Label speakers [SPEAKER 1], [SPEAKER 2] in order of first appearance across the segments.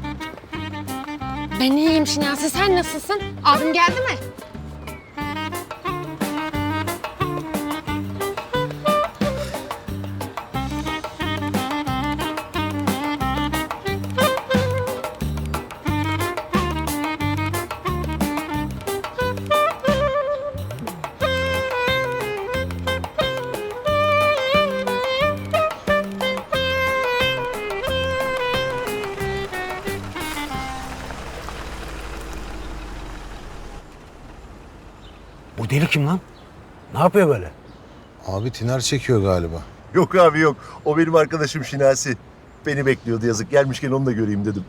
[SPEAKER 1] Ben iyiyim Şinasi, sen nasılsın? Abim geldi mi?
[SPEAKER 2] Bu deli kim lan? Ne yapıyor böyle?
[SPEAKER 3] Abi tiner çekiyor galiba.
[SPEAKER 4] Yok abi yok. O benim arkadaşım Şinasi. Beni bekliyordu yazık. Gelmişken onu da göreyim dedim.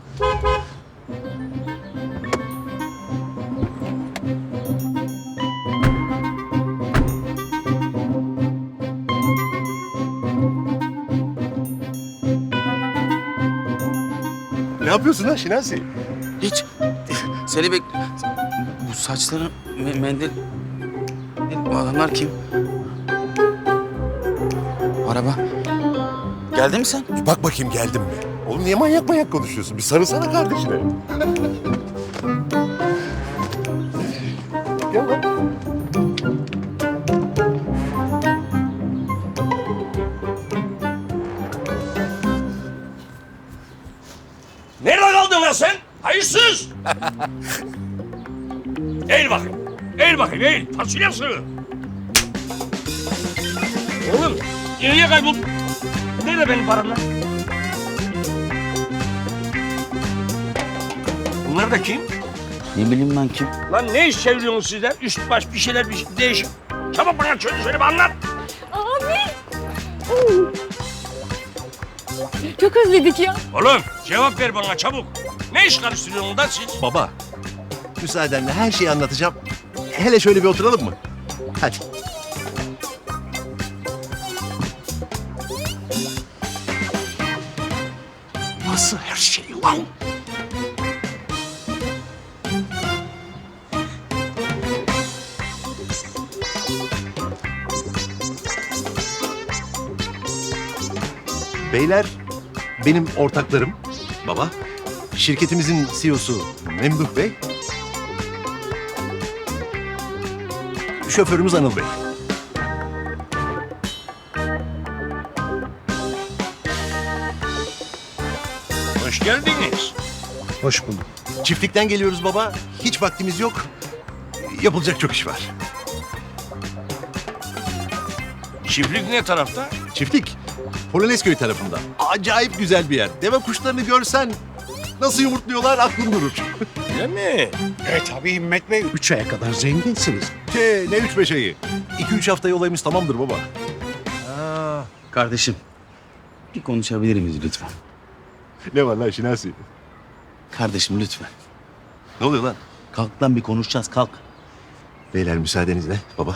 [SPEAKER 4] Ne yapıyorsun lan Şinasi?
[SPEAKER 5] Hiç. Seni Bu saçların mendil... Bu adamlar kim? Araba. Geldi mi sen?
[SPEAKER 4] Bir bak bakayım geldim mi? Oğlum niye manyak manyak konuşuyorsun? Bir sarılsana kardeşine. Gel lan.
[SPEAKER 6] Nerede kaldın lan sen? Hayırsız! Eğil bakayım. Eğil bakayım, eğil. Fasulye sığır. Oğlum, nereye kayboldun? Nerede benim param lan? Bunlar da kim?
[SPEAKER 5] Ne bileyim ben kim?
[SPEAKER 6] Lan ne iş çeviriyorsunuz sizler? Üst baş bir şeyler değişik. Çabuk bana söyle bir anlat.
[SPEAKER 1] Abi! Çok özledik ya.
[SPEAKER 6] Oğlum cevap ver bana çabuk. Ne iş karıştırıyorsunuz da siz?
[SPEAKER 4] Baba, müsaadenle her şeyi anlatacağım. Hele şöyle bir oturalım mı? Hadi.
[SPEAKER 6] Nasıl her şey lan?
[SPEAKER 4] Beyler, benim ortaklarım. Baba. Şirketimizin CEO'su Memduh Bey. Şoförümüz Anıl Bey.
[SPEAKER 6] Hoş geldiniz.
[SPEAKER 3] Hoş bulduk.
[SPEAKER 4] Çiftlikten geliyoruz baba. Hiç vaktimiz yok. Yapılacak çok iş var.
[SPEAKER 6] Çiftlik ne tarafta?
[SPEAKER 4] Çiftlik, Polonezköy tarafında. Acayip güzel bir yer. Deve kuşlarını görsen nasıl yumurtluyorlar aklın durur.
[SPEAKER 6] Öyle mi?
[SPEAKER 2] Tabii Himmet Bey. 3 aya kadar zenginsiniz.
[SPEAKER 4] Ne 3-5 ayı. 2-3 haftaya olayımız tamamdır baba.
[SPEAKER 5] Kardeşim. Bir konuşabilir miyiz lütfen?
[SPEAKER 4] Ne var lan Şinasi?
[SPEAKER 5] Kardeşim lütfen.
[SPEAKER 4] Ne oluyor lan?
[SPEAKER 5] Kalk lan bir konuşacağız kalk.
[SPEAKER 4] Beyler müsaadenizle baba.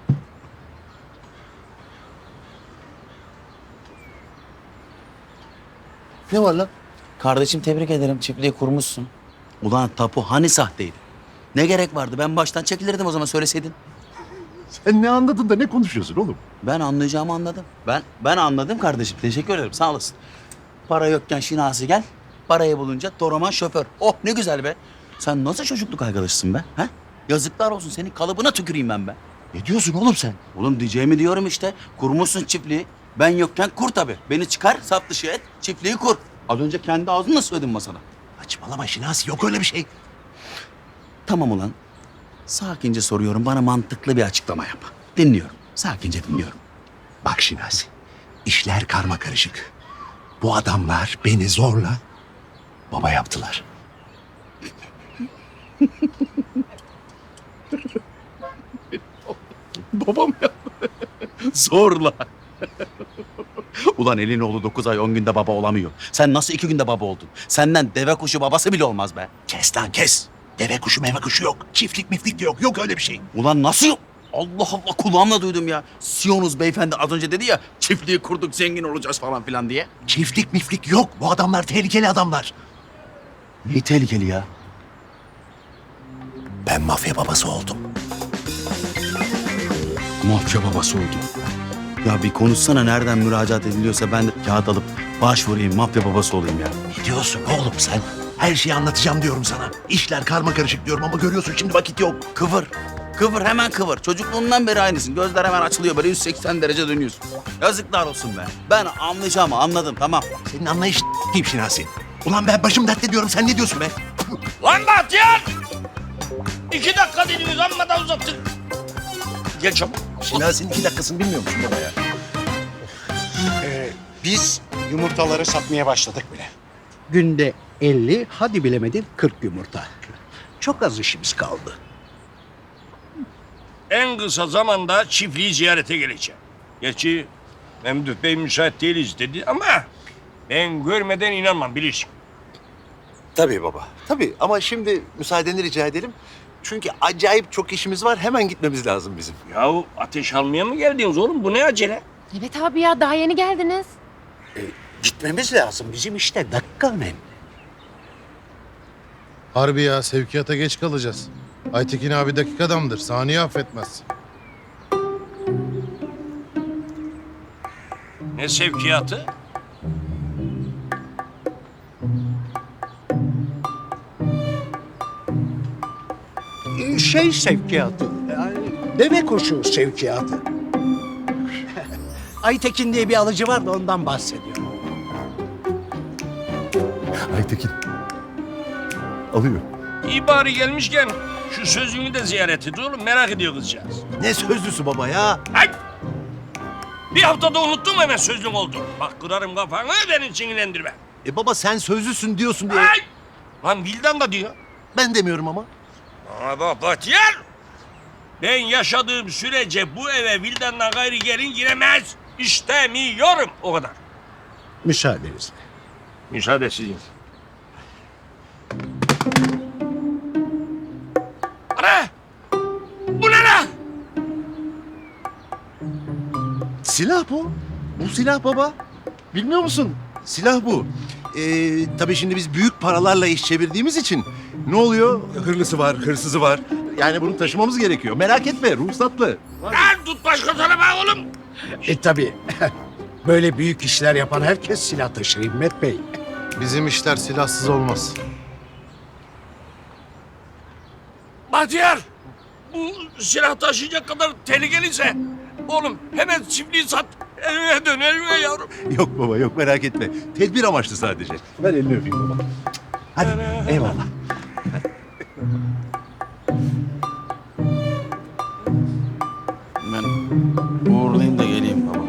[SPEAKER 4] Ne var lan?
[SPEAKER 5] Kardeşim tebrik ederim çiftliği kurmuşsun. Ulan tapu hani sahteydi? Ne gerek vardı? Ben baştan çekilirdim o zaman söyleseydin.
[SPEAKER 4] Sen ne anladın da ne konuşuyorsun oğlum?
[SPEAKER 5] Ben anlayacağımı anladım. Ben anladım kardeşim. Teşekkür ederim. Sağ olasın. Para yokken Şinasi gel. Parayı bulunca Toraman şoför. Oh ne güzel be. Sen nasıl çocukluk arkadaşısın be? Ha? Yazıklar olsun senin kalıbına tüküreyim ben be.
[SPEAKER 4] Ne diyorsun oğlum sen?
[SPEAKER 5] Oğlum diyeceğimi diyorum işte. Kurmuşsun çiftliği. Ben yokken kur tabii. Beni çıkar, sap dışı et, çiftliği kur. Az önce kendi ağzınla söyledin masada.
[SPEAKER 4] Saçmalama Şinasi, yok öyle bir şey.
[SPEAKER 5] Tamam ulan. Sakince soruyorum. Bana mantıklı bir açıklama yap. Dinliyorum. Sakince dinliyorum.
[SPEAKER 4] Bak Şinasi, işler karma karışık. Bu adamlar beni zorla baba yaptılar.
[SPEAKER 5] Babam yaptı. Zorla. Ulan elin oğlu 9 ay 10 günde baba olamıyor. Sen nasıl 2 günde baba oldun? Senden deve kuşu babası bile olmaz be.
[SPEAKER 4] Kes lan kes. Deve kuşu meve kuşu yok. Çiftlik miflik de yok. Yok öyle bir şey.
[SPEAKER 5] Ulan nasıl yok? Allah Allah kulağımla duydum ya. Siyonuz beyefendi az önce dedi ya çiftliği kurduk zengin olacağız falan filan diye.
[SPEAKER 4] Çiftlik miflik yok. Bu adamlar tehlikeli adamlar.
[SPEAKER 5] Ne tehlikeli ya?
[SPEAKER 4] Ben mafya babası oldum.
[SPEAKER 5] Mafya babası oldu. Ya bir konuşsana nereden müracaat ediliyorsa ben de kağıt alıp başvurayım mafya babası olayım ya.
[SPEAKER 4] Ne diyorsun oğlum sen? Her şeyi anlatacağım diyorum sana. İşler karma karışık diyorum ama görüyorsun şimdi vakit yok.
[SPEAKER 5] Kıvır. Kıvır hemen kıvır. Çocukluğundan beri aynısın. Gözler hemen açılıyor böyle 180 derece dönüyorsun. Yazıklar olsun be. Ben anlayacağımı anladım tamam.
[SPEAKER 4] Senin anlayış kim Şinasi? Ulan ben başım dertte diyorum sen ne diyorsun be?
[SPEAKER 6] Lan Bahtiyar! 2 dakika dediniz amma da uzattın. Gel çabuk.
[SPEAKER 4] Şinasi'nin 2 dakikasını bilmiyor musun baba ya?
[SPEAKER 7] Biz yumurtaları satmaya başladık bile. Günde 50, hadi bilemedin 40 yumurta. Çok az işimiz kaldı.
[SPEAKER 6] En kısa zamanda çiftliği ziyarete geleceğim. Gerçi Memduh Bey müsait değiliz dedi ama ben görmeden inanmam bilirsin.
[SPEAKER 4] Tabii baba. Tabii ama şimdi müsaadeni rica edelim. Çünkü acayip çok işimiz var. Hemen gitmemiz lazım bizim.
[SPEAKER 6] Yahu ateş almaya mı geldiniz oğlum? Bu ne acele?
[SPEAKER 1] Evet abi ya daha yeni geldiniz.
[SPEAKER 7] Gitmemiz lazım. Bizim işte dakika önemli.
[SPEAKER 3] Harbi ya sevkiyata geç kalacağız. Aytekin abi dakik adamdır. Saniye affetmez.
[SPEAKER 6] Ne sevkiyatı?
[SPEAKER 7] Şey sevkiyatı, yani deve kuşu sevkiyatı. Aytekin diye bir alıcı var da ondan bahsediyorum.
[SPEAKER 4] Aytekin. Alıyor.
[SPEAKER 6] İyi bari gelmişken şu sözünü de ziyaret et oğlum. Merak ediyor kızcağız.
[SPEAKER 4] Ne sözlüsü baba ya?
[SPEAKER 6] Ay! Bir haftada unuttum hemen sözlüm oldu. Bak kırarım kafanı beni sinirlendirme.
[SPEAKER 4] Baba sen sözlüsün diyorsun diye.
[SPEAKER 6] Ay! Lan Vildan da diyor.
[SPEAKER 4] Ben demiyorum ama.
[SPEAKER 6] Bana bak Bahtiyar. Ben yaşadığım sürece bu eve Vildan'dan gayri gelin giremez. İstemiyorum. O kadar.
[SPEAKER 7] Müsaadenizle.
[SPEAKER 6] Müsaade sizin. Ana! Bu ne lan?
[SPEAKER 4] Silah bu. Bu silah baba. Bilmiyor musun? Silah bu. Tabii şimdi biz büyük paralarla iş çevirdiğimiz için ne oluyor? Hırlısı var, hırsızı var. Yani bunu taşımamız gerekiyor. Merak etme, ruhsatlı.
[SPEAKER 6] Lan tut başka tarafa oğlum.
[SPEAKER 7] Tabii. Böyle büyük işler yapan herkes silah taşır Himmet Bey.
[SPEAKER 3] Bizim işler silahsız olmaz.
[SPEAKER 6] Bahtiyar! Bu silah taşıyacak kadar tehlikeliyse oğlum hemen çiftliği sat. Evine dön evine yavrum.
[SPEAKER 4] Yok baba, yok merak etme. Tedbir amaçlı sadece. Ver elini öpeyim baba. Hadi, eyvallah.
[SPEAKER 5] Ben uğurlayayım da geleyim baba.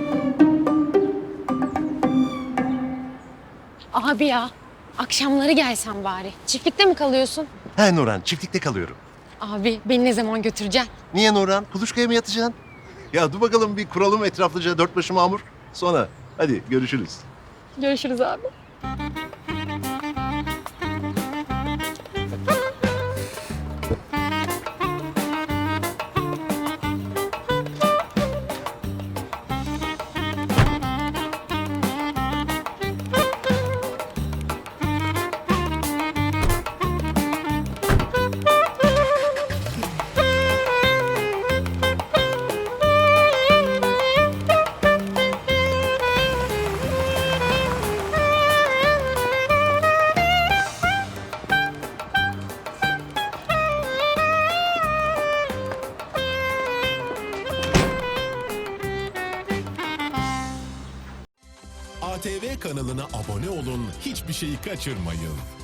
[SPEAKER 1] Abi ya akşamları gelsen bari. Çiftlikte mi kalıyorsun?
[SPEAKER 4] He Nurhan, çiftlikte kalıyorum.
[SPEAKER 1] Abi beni ne zaman götüreceksin?
[SPEAKER 4] Niye Nurhan? Kuluçkaya mı yatacaksın? Ya dur bakalım bir kuralım etraflıca dört başı mamur. Sonra hadi görüşürüz.
[SPEAKER 1] Görüşürüz abi.
[SPEAKER 8] ATV kanalına abone olun, hiçbir şeyi kaçırmayın.